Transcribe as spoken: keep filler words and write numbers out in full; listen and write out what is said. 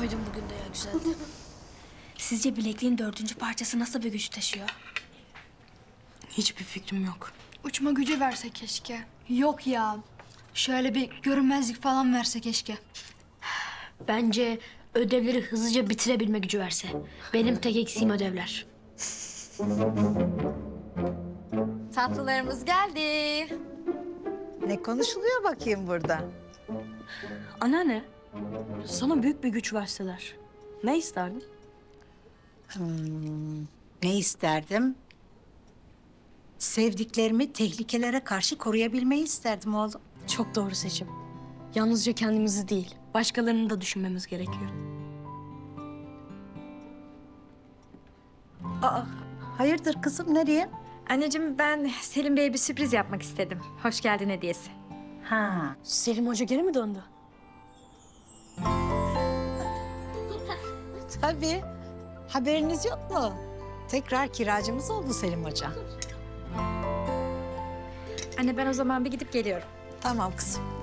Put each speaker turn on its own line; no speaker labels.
koydum bugün de ya, güzeldi. Sizce bilekliğin dördüncü parçası nasıl bir güç taşıyor?
Hiçbir fikrim yok.
Uçma gücü verse keşke. Yok ya. Şöyle bir görünmezlik falan verse keşke.
Bence ödevleri hızlıca bitirebilme gücü verse. Benim tek eksiğim ödevler.
Tatlılarımız geldi.
Ne konuşuluyor bakayım burada?
Anneanne, sana büyük bir güç verseler ne isterdin?
Ne isterdim? Sevdiklerimi tehlikelere karşı koruyabilmeyi isterdim oğlum.
Çok doğru seçim. Yalnızca kendimizi değil, başkalarını da düşünmemiz gerekiyor.
Aa, hayırdır kızım, nereye?
Anneciğim ben Selim Bey'e bir sürpriz yapmak istedim. Hoş geldin hediyesi.
Ha,
Selim Hoca geri mi döndü?
tabii. Haberiniz yok mu? Tekrar kiracımız oldu Selim Hoca.
Anne ben o zaman bir gidip geliyorum.
Tamam kızım.